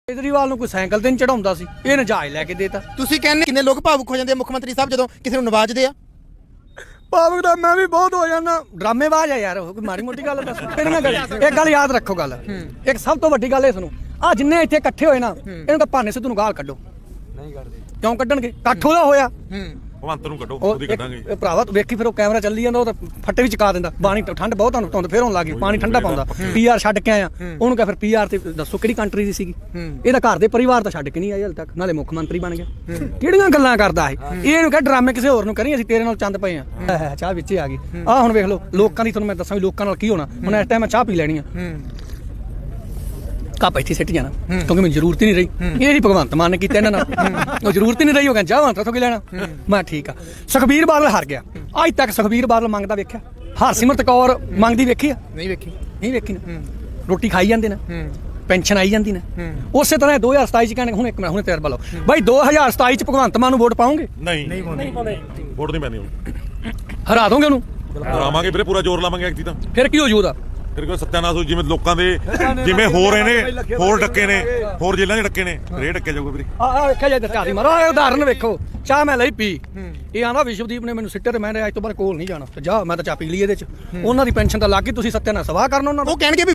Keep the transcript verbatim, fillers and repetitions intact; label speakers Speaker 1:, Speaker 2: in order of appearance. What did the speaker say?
Speaker 1: ਕੇਜਰੀਵਾਲ ਨੂੰ ਕੋਈ ਸਾਈਕਲ ਤੇ ਨਹੀਂ ਚੜਾਉਂਦਾ ਸੀ, ਇਹ ਨਜਾਇਜ਼ ਲੈ ਕੇ ਦੇਤਾ।
Speaker 2: ਤੁਸੀਂ ਕਹਿੰਦੇ ਕਿੰਨੇ ਲੋਕ ਭਾਵੁਕ ਹੋ ਜਾਂਦੇ ਆ ਮੁੱਖ ਮੰਤਰੀ ਸਾਹਿਬ ਜਦੋਂ ਕਿਸੇ ਨੂੰ ਨਵਾਜਦੇ ਆ?
Speaker 1: ਭਾਵੁਕ ਦਾ ਮੈਂ ਵੀ ਬਹੁਤ ਹੋ ਜਾਂਦਾ, ਡਰਾਮੇਬਾਜ਼ ਆ ਯਾਰ ਉਹ, ਕੋਈ ਮਾੜੀ ਮੋਟੀ ਗੱਲ ਦੱਸ। ਫਿਰ ਨਾ ਗੱਲ ਇੱਕ ਗੱਲ ਯਾਦ ਰੱਖੋ, ਗੱਲ ਇੱਕ ਸਭ ਤੋਂ ਵੱਡੀ ਗੱਲ ਇਹ ਸੁਣੋ, ਆ ਜਿੰਨੇ ਇੱਥੇ ਇਕੱਠੇ ਹੋਏ ਨਾ ਇਹਨੂੰ ਤਾਂ ਭਾਨੇ ਸਿੱਧੂ ਨੂੰ ਗਾਲ ਕੱਢੋ। ਨਹੀਂ ਕੱਢਦੇ ਕਿਉਂ ਕੱਢਣਗੇ? ਇਕੱਠ ਉਹਦਾ ਹੋਇਆ,
Speaker 3: ਭਗਵੰਤ ਨੂੰ ਕੱਢੋ, ਉਹਦੀ ਕੱਢਾਂਗੇ।
Speaker 1: ਇਹ ਭਰਾਵਾ ਤੂੰ ਵੇਖੀ ਫਿਰ ਉਹ ਕੈਮਰਾ ਚੱਲੀ ਜਾਂਦਾ, ਉਹ ਤਾਂ ਫੱਟੇ ਵੀ ਚਕਾ ਦਿੰਦਾ। ਪਾਣੀ ਠੰਡ ਬਹੁਤ ਤੁਹਾਨੂੰ ਧੁੰਦ ਫੇਰ ਹੋਣ ਲੱਗ ਗਈ, ਪਾਣੀ ਠੰਡਾ ਪਾਉਂਦਾ। ਪੀਆਰ ਛੱਡ ਕੇ ਆਇਆ, ਉਹਨੂੰ ਕਹ ਫਿਰ ਪੀਆਰ ਤੇ ਦੱਸੋ ਕਿਹੜੀ ਕੰਟਰੀ ਦੀ ਸੀਗੀ? ਇਹਦਾ ਘਰ ਦੇ ਪਰਿਵਾਰ ਤਾਂ ਛੱਡ ਕੇ ਨਹੀਂ ਆਏ ਹਲ ਤੱਕ, ਨਾਲੇ ਮੁੱਖ ਮੰਤਰੀ ਬਣ ਗਿਆ। ਕਿਹੜੀਆਂ ਗੱਲਾਂ ਕਰਦਾ ਇਹ? ਇਹਨੂੰ ਕਹ ਡਰਾਮੇ ਕਿਸੇ ਹੋਰ ਨੂੰ ਕਰੀ, ਅਸੀਂ ਤੇਰੇ ਨਾਲ ਚੰਦ ਪਏ ਆ। ਚਾਹ ਵਿੱਚ ਆ ਗਈ ਆ, ਹੁਣ ਵੇਖ ਲਓ ਲੋਕਾਂ ਦੀ, ਤੁਹਾਨੂੰ ਮੈਂ ਦੱਸਾਂ ਵੀ ਲੋਕਾਂ ਨਾਲ ਕੀ ਹੋਣਾ। ਹੁਣ ਇਸ ਟਾਈਮ ਮੈਂ ਚਾਹ ਪੀ ਲੈਣੀ ਆ, ਕੱਪ ਇੱਥੇ ਸਿੱਟ ਜਾਣਾ, ਕਿਉਂਕਿ ਮੈਨੂੰ ਜ਼ਰੂਰਤ ਹੀ ਨਹੀਂ ਰਹੀ। ਇਹ ਨਹੀਂ ਭਗਵੰਤ ਮਾਨ ਨੇ ਕੀਤਾ ਇਹਨਾਂ ਨਾਲ, ਉਹ ਜ਼ਰੂਰਤ ਹੀ ਨਹੀਂ ਰਹੀ। ਉਹ ਕਹਿੰਦਾ ਜਾਵਾਂ ਤੋਂ ਕੀ ਲੈਣਾ। ਮੈਂ ਠੀਕ ਆ। ਸੁਖਬੀਰ ਬਾਦਲ ਹਾਰ ਗਿਆ, ਅੱਜ ਤੱਕ ਸੁਖਬੀਰ ਬਾਦਲ ਮੰਗਦਾ ਵੇਖਿਆ? ਹਰਸਿਮਰਤ ਕੌਰ ਮੰਗਦੀ ਵੇਖੀ ਆ?
Speaker 2: ਨਹੀਂ ਵੇਖੀ।
Speaker 1: ਨਹੀਂ ਵੇਖੀ ਨਾ। ਰੋਟੀ ਖਾਈ ਜਾਂਦੇ ਨਾ, ਪੈਨਸ਼ਨ ਆਈ ਜਾਂਦੀ ਨਾ। ਉਸੇ ਤਰ੍ਹਾਂ ਦੋ ਹਜ਼ਾਰ ਸਤਾਈ ਚ ਕਹਿੰਦੇ ਹੁਣ ਇੱਕ ਮਿੰਟ ਹੁਣ ਤਜਰਬਾ ਲਓ ਬਾਈ, ਦੋ ਹਜ਼ਾਰ ਸਤਾਈ ਚ ਭਗਵੰਤ ਮਾਨ ਨੂੰ ਵੋਟ ਪਾਉਂਗੇ?
Speaker 3: ਨਹੀਂ ਨਹੀਂ ਪਾਉਂਦੇ, ਵੋਟ ਨਹੀਂ ਪੈਣੀ।
Speaker 1: ਹਰਾ ਦੋਗੇ ਉਹਨੂੰ?
Speaker 3: ਹਰਾਵਾਂਗੇ ਵੀਰੇ, ਪੂਰਾ ਜ਼ੋਰ ਲਾਵਾਂਗੇ ਐਕਤੀ ਤਾਂ।
Speaker 1: ਫਿਰ ਕੀ ਹੋ ਜੂ ਉਹਦਾ?
Speaker 3: ਫਿਰ ਕੋਈ ਸੱਤਿਆਨਾਸ਼ ਹੋ, ਜਿਵੇਂ ਲੋਕਾਂ ਦੇ ਜਿਵੇਂ ਹੋ ਰਹੇ ਨੇ, ਹੋਰ ਡੱਕੇ ਨੇ, ਹੋਰ ਜੇਲ੍ਹਾਂ ਦੇ ਡੱਕੇ ਨੇ, ਰੇ ਡੱਕੇ ਜਾਊਗਾ ਵੀਰੇ।
Speaker 1: ਆ ਵੇਖਿਆ ਜੇ ਚਾਹ ਦੀ ਮਾਰੋ, ਇਹ ਉਦਾਹਰਨ ਵੇਖੋ। ਚਾਹ ਮੈਂ ਲਈ ਪੀ, ਇਹ ਆਂਦਾ ਵਿਸ਼ਵਦੀਪ ਨੇ ਮੈਨੂੰ ਸਿੱਟੇ ਤੇ ਮੈਂ ਅੱਜ ਤੋਂ ਬਾਅਦ ਕੋਲ ਨਹੀਂ ਜਾਣਾ। ਜਾ, ਮੈਂ ਤਾਂ ਚਾਹ ਪੀ ਲਈ ਇਹਦੇ ਚ। ਉਹਨਾਂ ਦੀ ਪੈਨਸ਼ਨ ਤਾਂ ਲੱਗ ਗਈ, ਤੁਸੀਂ ਸੱਤਿਆਨਾਸ਼ ਸਵਾਹ ਕਰਨਾ ਉਹਨਾਂ ਨੂੰ।
Speaker 2: ਉਹ ਕਹਿਣਗੇ ਵੀ